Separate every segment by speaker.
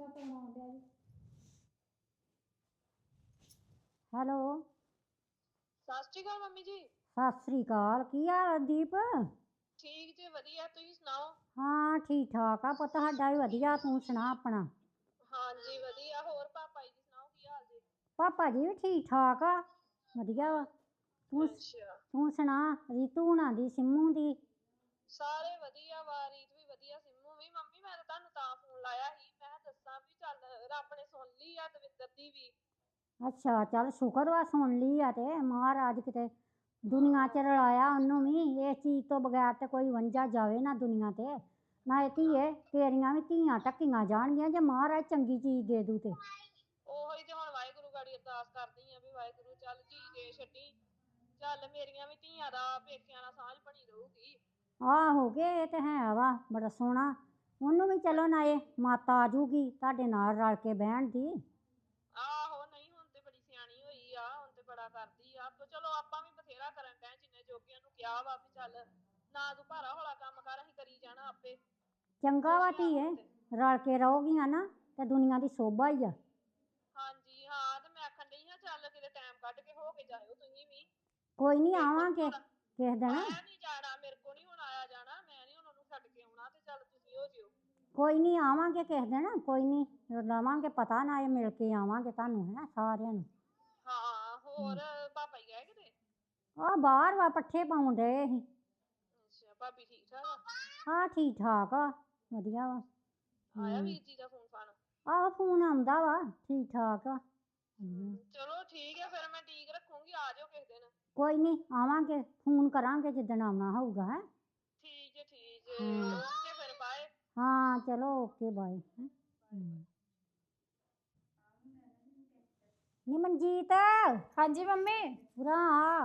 Speaker 1: ਦਾ phone ਆਉਂਦਾ ਜੀ। Hello,
Speaker 2: ਸਤਿ ਸ਼੍ਰੀ ਅਕਾਲ ਮੰਮੀ ਜੀ।
Speaker 1: ਸਤਿ ਸ੍ਰੀ ਅਕਾਲ। ਕੀ ਹਾਲ ਆ ਦੀਪ?
Speaker 2: ਠੀਕ ਜੇ ਵਧੀਆ, ਤੁਸੀਂ ਸੁਣਾਓ?
Speaker 1: ਹਾਂ ਠੀਕ ਠਾਕ ਆ ਪੁੱਤ, ਸਾਡਾ ਵੀ ਵਧੀਆ। ਤੂੰ ਸੁਣਾ ਆਪਣਾ?
Speaker 2: ਹਾਂਜੀ ਵਧੀਆ। ਹੋਰ ਪਾਪਾ ਜੀ ਦੀ ਸੁਣਾਓ, ਕੀ ਹਾਲ ਜੀ?
Speaker 1: ਪਾਪਾ ਜੀ ਵੀ ਠੀਕ ਠਾਕ ਆ, ਵਧੀਆ ਵਾ।
Speaker 2: ਅੱਛਾ,
Speaker 1: ਤੂੰ ਸੁਣਾ ਰੀਤੂ ਹੁਣਾਂ ਦੀ, ਸਿੰਮੂ ਦੀ?
Speaker 2: ਸਾਰੇ ਵਧੀਆ ਵਾ, ਰੀਤ ਵੀ ਵਧੀਆ, ਸਿੰਮੂ ਵੀ। ਮੰਮੀ ਮੈਂ ਤਾਂ ਤੁਹਾਨੂੰ ਤਾਂ ਫੋਨ ਲਾਇਆ ਸੀ, ਮੈਂ ਦੱਸਾਂ ਵੀ ਚੱਲ ਰੱਬ ਨੇ ਸੁਣ ਲਈ ਆ ਦਵਿੰਦਰ ਦੀ ਵੀ।
Speaker 1: ਅੱਛਾ, ਚੱਲ ਸ਼ੁਕਰ ਵਾ ਸੁਣ ਲਈ ਆ ਤੇ ਮਹਾਰਾਜ ਕਿਤੇ ਦੁਨੀਆ 'ਚ ਰਲਾਇਆ ਉਹਨੂੰ ਵੀ। ਇਸ ਚੀਜ਼ ਤੋਂ ਬਗੈਰ ਤੇ ਕੋਈ ਵੰਝਾ ਜਾਵੇ ਨਾ ਦੁਨੀਆ ਤੇ। ਨਾ ਧੀਏ ਤੇਰੀਆਂ ਵੀ ਧੀਆਂ ਢੱਕੀਆਂ ਜਾਣਗੀਆਂ ਜੇ ਮਹਾਰਾਜ ਚੰਗੀ ਚੀਜ਼ ਦੇ ਦੂ ਤੇ।
Speaker 2: ਉਹੀ ਤੇ ਹੁਣ ਵਾਹਿਗੁਰੂ ਗਾੜੀ ਅਰਦਾਸ ਕਰਦੀ ਆ ਵੀ ਵਾਹਿਗੁਰੂ ਚੱਲ ਧੀ ਦੇ ਛੱਡੀ, ਚੱਲ ਮੇਰੀਆਂ ਵੀ ਧੀਆਂ ਦਾ ਪੇਕਿਆਂ ਨਾਲ ਸਾਂਝ ਬਣੀ ਰਹੂਗੀ।
Speaker 1: ਆਹੋ ਕੇ ਇਹ ਤੇ ਹੈ ਵਾ, ਬੜਾ ਸੋਹਣਾ। ਉਹਨੂੰ ਵੀ ਚਲੋ ਨਾਲੇ ਮਾਤਾ ਆ ਜੂਗੀ ਤੁਹਾਡੇ ਨਾਲ ਰਲ ਕੇ ਬਹਿਣ ਦੀ।
Speaker 2: ਆਹੋ, ਨਹੀਂ ਹੁਣ ਤੇ ਬੜੀ ਸਿਆਣੀ ਹੋਈ ਆ, ਹੁਣ ਤੇ ਬੜਾ ਕਰਦੀ ਆ। ਚਲੋ ਆਪਾਂ ਵੀ ਬਥੇਰਾ ਕਰਨ ਡਏ, ਜਿੰਨੇ ਜੋਗੀਆਂ ਨੂੰ ਕਿਹਾ ਵਾ ਵੀ ਚੱਲ ਨਾ ਤੂੰ ਭਾਰਾ ਹੌਲਾ ਕੰਮ ਕਰ, ਅਸੀਂ ਕਰੀ ਜਾਣਾ ਆਪੇ।
Speaker 1: ਚੰਗਾ ਵਾ
Speaker 2: ਖੁਸ਼ ਆ
Speaker 1: ਧੀਏ,
Speaker 2: ਹੁਣ ਤੇ।
Speaker 1: ਰਲ ਕੇ ਰਹੋਗੀਆਂ ਨਾ ਤੇ ਦੁਨੀਆ ਦੀ ਸੋਭਾ ਹੀ ਆ।
Speaker 2: ਹਾਂਜੀ ਹਾਂ, ਤੇ ਮੈਂ ਆਖਣ ਡਈ ਹਾਂ ਚੱਲ ਕਿਤੇ ਟਾਈਮ ਕੱਢ ਕੇ ਹੋ ਕੇ ਜਾਇਓ ਤੁਸੀਂ ਵੀ।
Speaker 1: ਕੋਈ ਨਹੀਂ
Speaker 2: ਮੇਰੇ ਕੋਲ ਨੀ
Speaker 1: ਆਵਾਂਗੇ
Speaker 2: ਹੁਣ
Speaker 1: ਕਿਸੇ ਦਿਨ।
Speaker 2: ਆਇਆ ਨੀ ਜਾਣਾ, ਮੇਰੇ ਕੋਲ ਨੀ ਹੁਣ ਆਇਆ ਜਾਣਾ, ਮੈਂ ਨੀ ਹੁਣ ਉਹਨੂੰ ਛੱਡ ਕੇ ਆਉਣਾ, ਤੇ ਚੱਲ ਤੁਸੀਂ ਹੋ ਜਿਓ।
Speaker 1: ਕੋਈ ਨਹੀਂ ਆਵਾਂਗੇ ਕਿਸੇ ਦਿਨ, ਕੋਈ ਨਹੀਂ ਲਵਾਂਗੇ ਪਤਾ, ਨਾ ਇਹ ਮਿਲ ਕੇ ਆਵਾਂਗੇ ਤੁਹਾਨੂੰ ਹੈ ਸਾਰਿਆਂ ਨੂੰ।
Speaker 2: ਹਾਂ, ਹੋਰ ਪਾਪਾ ਜੀ ਗਏ ਕਿਤੇ?
Speaker 1: ਆਹ ਬਾਹਰ ਵਾ, ਪੱਠੇ ਪਾਉਣ ਡਏ ਸੀ।
Speaker 2: ਅੱਛਾ, ਭਾਬੀ ਠੀਕ ਠਾਕ ਆ?
Speaker 1: ਹਾਂ ਠੀਕ ਠਾਕ ਆ, ਵਧੀਆ ਵਾ।
Speaker 2: ਆਇਆ ਵੀਰ ਜੀ ਦਾ ਫੋਨ ਫਾਨ?
Speaker 1: ਆਹੋ ਫੋਨ ਆਉਂਦਾ ਵਾ, ਠੀਕ ਠਾਕ ਆ।
Speaker 2: ਚਲੋ ਠੀਕ ਹੈ, ਫਿਰ ਮੈਂ ਠੀਕ ਰੱਖੂੰਗੀ, ਆ ਜਾਓ ਕਿਸੇ ਦਿਨ।
Speaker 1: ਕੋਈ ਨਹੀਂ ਆਵਾਂਗੇ, ਫੋਨ ਕਰਾਂਗੇ ਜਿੱਦਣ ਆਉਣਾ ਹੋਊਗਾ। ਹੈ
Speaker 2: ਠੀਕ ਹੈ, ਠੀਕ ਹੈ, ਓਕੇ ਫਿਰ ਬਾਏ।
Speaker 1: ਹਾਂ ਚਲੋ ਓਕੇ ਬਾਏ। ਨੀ ਮਨਜੀਤ,
Speaker 3: ਹਾਂਜੀ ਮੰਮੀ।
Speaker 1: ਉਰਾਂ ਆ।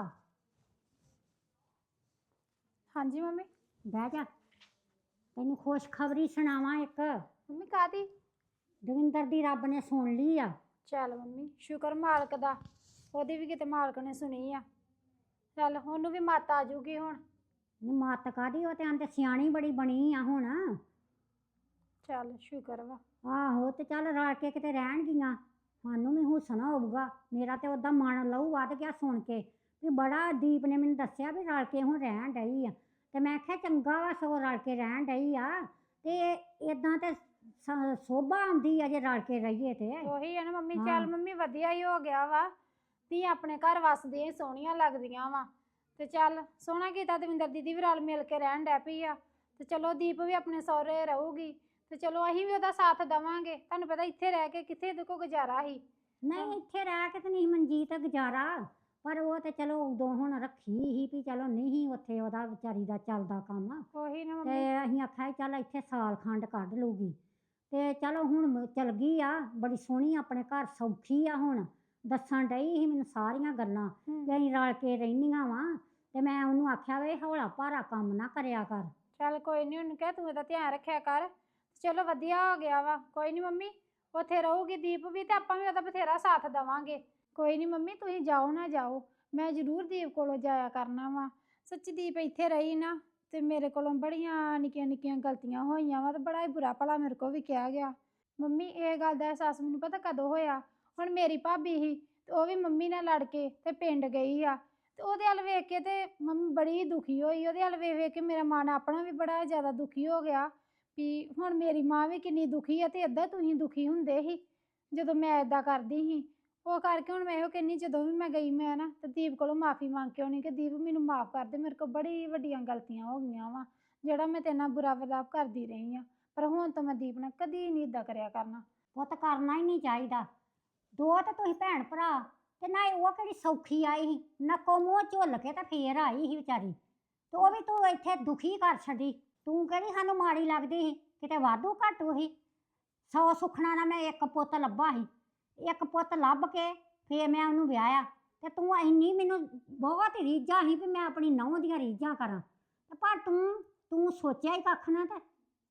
Speaker 3: ਹਾਂਜੀ ਮੰਮੀ।
Speaker 1: ਬਹਿ ਜਾ, ਤੈਨੂੰ ਖੁਸ਼ਖਬਰੀ ਸੁਣਾਵਾਂ ਇੱਕ।
Speaker 3: ਮੰਮੀ ਕਾਹਦੀ?
Speaker 1: ਦਵਿੰਦਰ ਦੀ ਰੱਬ ਨੇ ਸੁਣ ਲਈ ਆ।
Speaker 3: ਚੱਲ ਮੰਮੀ ਸ਼ੁਕਰ ਮਾਲਕ ਦਾ, ਉਹਦੀ ਵੀ ਕਿਤੇ ਮਾਲਕ ਨੇ ਸੁਣੀ ਆ। ਚੱਲ ਉਹਨੂੰ ਵੀ ਮੱਤ ਆ ਜੂਗੀ ਹੁਣ।
Speaker 1: ਨੀ ਮੱਤ ਕਾਹਦੀ, ਉਹ ਤੇ ਆਂਦੇ ਸਿਆਣੀ ਬੜੀ ਬਣੀ ਆ ਹੁਣ।
Speaker 3: ਚੱਲ ਸ਼ੁਕਰ ਵਾ।
Speaker 1: ਆਹੋ ਤੇ ਚੱਲ ਰਲ ਕੇ ਕਿਤੇ ਰਹਿਣਗੀਆਂ, ਸਾਨੂੰ ਵੀ ਹੁਸਨਾ ਹੋਊਗਾ। ਮੇਰਾ ਤੇ ਓਦਾਂ ਮਨ ਲਹੂ ਵੱਧ ਗਿਆ ਸੁਣ ਕੇ ਵੀ ਬੜਾ। ਦੀਪ ਨੇ ਮੈਨੂੰ ਦੱਸਿਆ ਵੀ ਰਲ ਕੇ ਹੁਣ ਰਹਿਣ ਡਈ ਆ, ਤੇ ਮੈਂ ਆਖਿਆ ਚੰਗਾ ਵਾ ਸਗੋਂ ਰਲ ਕੇ ਰਹਿਣ ਡਈ ਆ। ਤੇ ਇਦਾਂ ਤੇ ਸੋਭਾ ਆਉਂਦੀ ਆ ਜੇ ਰਲ ਕੇ ਰਹੀਏ ਤੇ।
Speaker 3: ਉਹੀ ਹੈ ਨਾ ਮੰਮੀ, ਚੱਲ ਮੰਮੀ ਵਧੀਆ ਹੀ ਹੋ ਗਿਆ ਵਾ ਵੀ ਆਪਣੇ ਘਰ ਵਸਦੀਆਂ ਸੋਹਣੀਆਂ ਲੱਗਦੀਆਂ ਵਾ। ਤੇ ਚੱਲ ਸੋਹਣਾ ਕੀਤਾ, ਦਵਿੰਦਰ ਦੀਦੀ ਵੀ ਰਲ ਮਿਲ ਕੇ ਰਹਿਣ ਡੈ ਪਈ ਆ। ਤੇ ਚਲੋ ਦੀਪ ਵੀ ਆਪਣੇ ਸਹੁਰੇ ਰਹੂਗੀ, ਤੇ ਚਲੋ ਅਸੀਂ ਵੀ ਉਹਦਾ ਸਾਥ ਦੇਵਾਂਗੇ। ਤੁਹਾਨੂੰ ਪਤਾ ਇੱਥੇ ਰਹਿ ਕੇ ਕਿੱਥੇ ਇਹਦੇ ਕੋਲ ਗੁਜ਼ਾਰਾ ਸੀ।
Speaker 1: ਨਹੀਂ ਇੱਥੇ ਰਹਿ ਕੇ ਤੇ ਨਹੀਂ ਮਨਜੀਤ ਗੁਜ਼ਾਰਾ, ਪਰ ਉਹ ਤੇ ਚਲੋ ਉਦੋਂ ਹੁਣ ਰੱਖੀ ਸੀ ਵੀ ਚਲੋ ਨਹੀਂ ਉੱਥੇ ਉਹਦਾ ਵਿਚਾਰੀ ਦਾ ਚੱਲਦਾ ਕੰਮ।
Speaker 3: ਉਹੀ ਨਾ
Speaker 1: ਤੇ
Speaker 3: ਮੰਮੀ।
Speaker 1: ਅਸੀਂ ਆਖਿਆ ਚੱਲ ਇੱਥੇ ਸਾਲ ਖੰਡ ਕੱਢ ਲੂਗੀ, ਤੇ ਚਲੋ ਹੁਣ ਚਲ ਗਈ ਆ। ਬੜੀ ਸੋਹਣੀ ਆਪਣੇ ਘਰ ਸੌਖੀ ਆ ਹੁਣ। ਦੱਸਣ ਡਈ ਸੀ ਮੈਨੂੰ ਸਾਰੀਆਂ ਗੱਲਾਂ ਕਿ ਅਸੀਂ ਰਲ ਕੇ ਰਹਿੰਦੀਆਂ ਵਾ। ਤੇ ਮੈਂ ਉਹਨੂੰ ਆਖਿਆ ਵੇ ਹੌਲਾ ਭਾਰਾ ਕੰਮ ਨਾ ਕਰਿਆ ਕਰ।
Speaker 3: ਚੱਲ ਕੋਈ ਨਹੀਂ, ਉਹਨੂੰ ਕਹਿ ਤੂੰ ਇਹਦਾ ਧਿਆਨ ਰੱਖਿਆ ਕਰ। ਚਲੋ ਵਧੀਆ ਹੋ ਗਿਆ ਵਾ। ਕੋਈ ਨਹੀਂ ਮੰਮੀ, ਉੱਥੇ ਰਹੂਗੀ ਦੀਪ ਵੀ, ਤੇ ਆਪਾਂ ਵੀ ਉਹਦਾ ਬਥੇਰਾ ਸਾਥ ਦੇਵਾਂਗੇ। ਕੋਈ ਨਹੀਂ ਮੰਮੀ, ਤੁਸੀਂ ਜਾਓ ਨਾ ਜਾਓ, ਮੈਂ ਜ਼ਰੂਰ ਦੀਪ ਕੋਲੋਂ ਜਾਇਆ ਕਰਨਾ ਵਾ। ਸੱਚੀ ਦੀਪ ਇੱਥੇ ਰਹੀ ਨਾ, ਤੇ ਮੇਰੇ ਕੋਲੋਂ ਬੜੀਆਂ ਨਿੱਕੀਆਂ ਨਿੱਕੀਆਂ ਗਲਤੀਆਂ ਹੋਈਆਂ ਵਾ, ਤੇ ਬੜਾ ਹੀ ਬੁਰਾ ਭਲਾ ਮੇਰੇ ਕੋਲ ਵੀ ਕਿਹਾ ਗਿਆ। ਮੰਮੀ ਇਹ ਗੱਲ ਦਾ ਅਹਿਸਾਸ ਮੈਨੂੰ ਪਤਾ ਕਦੋਂ ਹੋਇਆ? ਹੁਣ ਮੇਰੀ ਭਾਬੀ ਸੀ, ਤੇ ਉਹ ਵੀ ਮੰਮੀ ਨਾਲ ਲੜ ਕੇ ਤੇ ਪਿੰਡ ਗਈ ਆ। ਤੇ ਉਹਦੇ ਵੱਲ ਵੇਖ ਕੇ ਤੇ ਮੰਮੀ ਬੜੀ ਦੁਖੀ ਹੋਈ। ਉਹਦੇ ਵੱਲ ਵੇਖ ਵੇਖ ਕੇ ਮੇਰਾ ਮਨ ਆਪਣਾ ਵੀ ਬੜਾ ਜ਼ਿਆਦਾ ਦੁਖੀ ਹੋ ਗਿਆ ਵੀ ਹੁਣ ਮੇਰੀ ਮਾਂ ਵੀ ਕਿੰਨੀ ਦੁਖੀ ਆ, ਤੇ ਏਦਾਂ ਤੁਸੀਂ ਦੁਖੀ ਹੁੰਦੇ ਸੀ ਜਦੋਂ ਮੈਂ ਏਦਾਂ ਕਰਦੀ ਸੀ। ਉਹ ਕਰਕੇ ਹੁਣ ਮੈਂ ਇਹੋ ਕਹਿੰਦੀ, ਜਦੋਂ ਵੀ ਮੈਂ ਗਈ ਮੈਂ ਨਾ ਤੇ ਦੀਪ ਕੋਲੋਂ ਮਾਫ਼ੀ ਮੰਗ ਕੇ ਆਉਣੀ ਕਿ ਦੀਪ ਮੈਨੂੰ ਮਾਫ਼ ਕਰ ਦੇ, ਮੇਰੇ ਕੋਲ ਬੜੀ ਵੱਡੀਆਂ ਗਲਤੀਆਂ ਹੋ ਗਈਆਂ ਵਾ, ਜਿਹੜਾ ਮੈਂ ਤੇਰੇ ਨਾਲ ਬੁਰਾ ਵਰਤਾਵ ਕਰਦੀ ਰਹੀ ਆ। ਪਰ ਹੁਣ ਤਾਂ ਮੈਂ ਦੀਪ ਨਾਲ ਕਦੀ ਨਹੀਂ ਇੱਦਾਂ ਕਰਿਆ ਕਰਨਾ।
Speaker 1: ਪੁੱਤ ਕਰਨਾ ਹੀ ਨਹੀਂ ਚਾਹੀਦਾ। ਦੋ ਤਾਂ ਤੁਸੀਂ ਭੈਣ ਭਰਾ, ਤੇ ਨਾ ਉਹ ਕਿਹੜੀ ਸੌਖੀ ਆਈ ਸੀ, ਨੱਕੋ ਮੂੰਹ ਝੁੱਲ ਕੇ ਤਾਂ ਫੇਰ ਆਈ ਸੀ ਵਿਚਾਰੀ। ਤੇ ਉਹ ਵੀ ਤੂੰ ਇੱਥੇ ਦੁਖੀ ਕਰ ਛੱਡੀ। ਤੂੰ ਕਿਹੜੀ ਸਾਨੂੰ ਮਾੜੀ ਲੱਗਦੀ ਸੀ, ਕਿਤੇ ਵਾਧੂ ਘਾਟੂ ਸੀ। 100 ਸੁੱਖਣਾ ਨਾਲ ਮੈਂ ਇੱਕ ਪੁੱਤ ਲੱਭਾ ਸੀ, ਇੱਕ ਪੁੱਤ ਲੱਭ ਕੇ ਫੇਰ ਮੈਂ ਉਹਨੂੰ ਵਿਆਹਿਆ। ਤੇ ਤੂੰ ਇੰਨੀ ਮੈਨੂੰ ਬਹੁਤ ਰੀਝਾਂ ਸੀ ਵੀ ਮੈਂ ਆਪਣੀ ਨੂੰਹ ਦੀਆਂ ਰੀਝਾਂ ਕਰਾਂ, ਤੇ ਪਰ ਤੂੰ ਸੋਚਿਆ ਹੀ ਕੱਖ ਨਾ। ਤੇ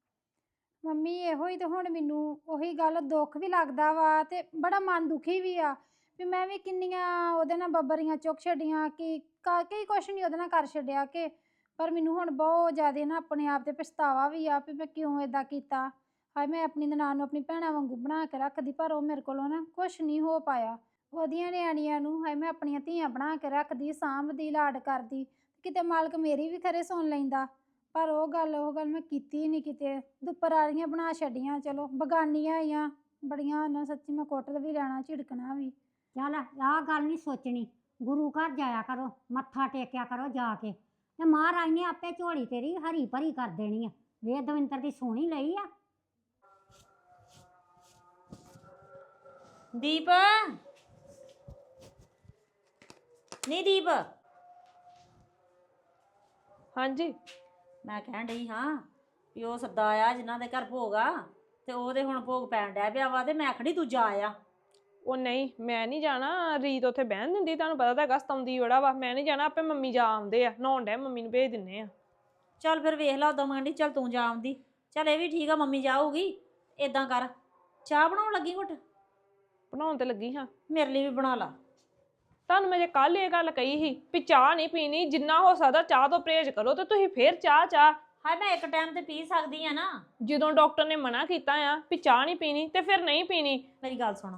Speaker 3: ਮੰਮੀ ਇਹੋ ਹੀ ਤੇ ਹੁਣ ਮੈਨੂੰ ਉਹੀ ਗੱਲ ਦੁੱਖ ਵੀ ਲੱਗਦਾ ਵਾ, ਤੇ ਬੜਾ ਮਨ ਦੁਖੀ ਵੀ ਆ ਵੀ ਮੈਂ ਵੀ ਕਿੰਨੀਆਂ ਉਹਦੇ ਨਾਲ ਬੱਬਰੀਆਂ ਚੁੱਕ ਛੱਡੀਆਂ ਕਿ ਕਈ ਕੁਛ ਨਹੀਂ ਉਹਦੇ ਨਾਲ ਕਰ ਛੱਡਿਆ ਕਿ। ਪਰ ਮੈਨੂੰ ਹੁਣ ਬਹੁਤ ਜ਼ਿਆਦਾ ਨਾ ਆਪਣੇ ਆਪ ਤੇ ਪਛਤਾਵਾ ਵੀ ਆ ਵੀ ਮੈਂ ਕਿਉਂ ਏਦਾਂ ਕੀਤਾ। ਹਾਏ ਮੈਂ ਆਪਣੀ ਨਨਾਣ ਨੂੰ ਆਪਣੀ ਭੈਣਾਂ ਵਾਂਗੂ ਬਣਾ ਕੇ ਰੱਖਦੀ, ਪਰ ਉਹ ਮੇਰੇ ਕੋਲੋਂ ਨਾ ਕੁਛ ਨਹੀਂ ਹੋ ਪਾਇਆ। ਉਹਦੀਆਂ ਨਿਆਣੀਆਂ ਨੂੰ ਹਾਏ ਮੈਂ ਆਪਣੀਆਂ ਧੀਆਂ ਬਣਾ ਕੇ ਰੱਖਦੀ, ਸਾਂਭਦੀ, ਲਾਡ ਕਰਦੀ, ਕਿਤੇ ਮਾਲਕ ਮੇਰੀ ਵੀ ਖਰੇ ਸੁਣ ਲੈਂਦਾ। ਪਰ ਉਹ ਗੱਲ ਮੈਂ ਕੀਤੀ ਨਹੀਂ ਕਿਤੇ, ਦੁੱਪਰ ਵਾਲੀਆਂ ਬਣਾ ਛੱਡੀਆਂ। ਚਲੋ ਬਗਾਨੀਆਂ ਆਈਆਂ ਬੜੀਆਂ ਨਾ, ਸੱਚੀ ਮੈਂ ਕੁੱਟ ਵੀ ਲੈਣਾ, ਝਿੜਕਣਾ ਵੀ।
Speaker 1: ਚੱਲ ਆਹ ਗੱਲ ਨਹੀਂ ਸੋਚਣੀ, ਗੁਰੂ ਘਰ ਜਾਇਆ ਕਰੋ, ਮੱਥਾ ਟੇਕਿਆ ਕਰੋ ਜਾ ਕੇ, ਤੇ ਮਹਾਰਾਜ ਨੇ ਆਪੇ ਝੋਲੀ ਤੇਰੀ ਹਰੀ ਭਰੀ ਕਰ ਦੇਣੀ ਆ। ਵੇ ਦਵਿੰਦਰ ਦੀ ਸੋਹਣੀ ਲਈ ਆ।
Speaker 4: ਦੀਪ, ਨਹੀਂ ਦੀਪ,
Speaker 2: ਹਾਂਜੀ
Speaker 4: ਮੈਂ ਕਹਿਣ ਡਈ ਹਾਂ ਵੀ ਉਹ ਸੱਦਾ ਆਇਆ ਜਿਨ੍ਹਾਂ ਦੇ ਘਰ ਭੋਗ ਆ, ਤੇ ਉਹਦੇ ਹੁਣ ਭੋਗ ਪੈਣ ਡਿਆ ਪਿਆ ਵਾ, ਤੇ ਮੈਂ ਖੜੀ ਤੂੰ ਜਾ ਆ।
Speaker 2: ਉਹ ਨਹੀਂ ਮੈਂ ਨਹੀਂ ਜਾਣਾ, ਰੀਤ ਉੱਥੇ ਬਹਿਣ ਦਿੰਦੀ, ਤੁਹਾਨੂੰ ਪਤਾ ਤਾਂ ਹੈਗਾ ਸਤਾਉਂਦੀ ਬੜਾ ਵਾ। ਮੈਂ ਨਹੀਂ ਜਾਣਾ, ਆਪੇ ਮੰਮੀ ਜਾ ਆਉਂਦੇ ਆ, ਨਹਾਉਣ ਡਿਆ, ਮੰਮੀ ਨੂੰ ਭੇਜ ਦਿੰਨੇ ਆ।
Speaker 4: ਚੱਲ ਫਿਰ ਵੇਖ ਲਾ, ਉਦੋਂ ਮੰਡੀ ਚੱਲ ਤੂੰ ਜਾ ਆਉਂਦੀ। ਚੱਲ ਇਹ ਵੀ ਠੀਕ ਆ, ਮੰਮੀ ਜਾਊਗੀ। ਏਦਾਂ ਕਰ, ਚਾਹ ਬਣਾਉਣ ਲੱਗੀ ਘੁੱਟ?
Speaker 2: ਬਣਾਉਣ ਤੇ ਲੱਗੀ ਹਾਂ।
Speaker 4: ਮੇਰੇ ਲਈ ਵੀ ਬਣਾ ਲਾ।
Speaker 2: ਤੁਹਾਨੂੰ ਮੈਂ ਜੇ ਕੱਲ ਇਹ ਗੱਲ ਕਹੀ ਸੀ ਵੀ ਚਾਹ ਨਹੀਂ ਪੀਣੀ, ਜਿੰਨਾ ਹੋ ਸਕਦਾ ਚਾਹ ਤੋਂ ਪਰਹੇਜ਼ ਕਰੋ, ਤੇ ਤੁਸੀਂ ਫੇਰ ਚਾਹ।
Speaker 4: ਹਾਏ ਮੈਂ ਇੱਕ ਟਾਈਮ ਤੇ ਪੀ ਸਕਦੀ ਆ ਨਾ।
Speaker 2: ਜਦੋਂ ਡਾਕਟਰ ਨੇ ਮਨਾ ਕੀਤਾ ਆ ਵੀ ਚਾਹ ਨਹੀਂ ਪੀਣੀ, ਤੇ ਫਿਰ ਨਹੀਂ ਪੀਣੀ।
Speaker 4: ਮੇਰੀ ਗੱਲ ਸੁਣ,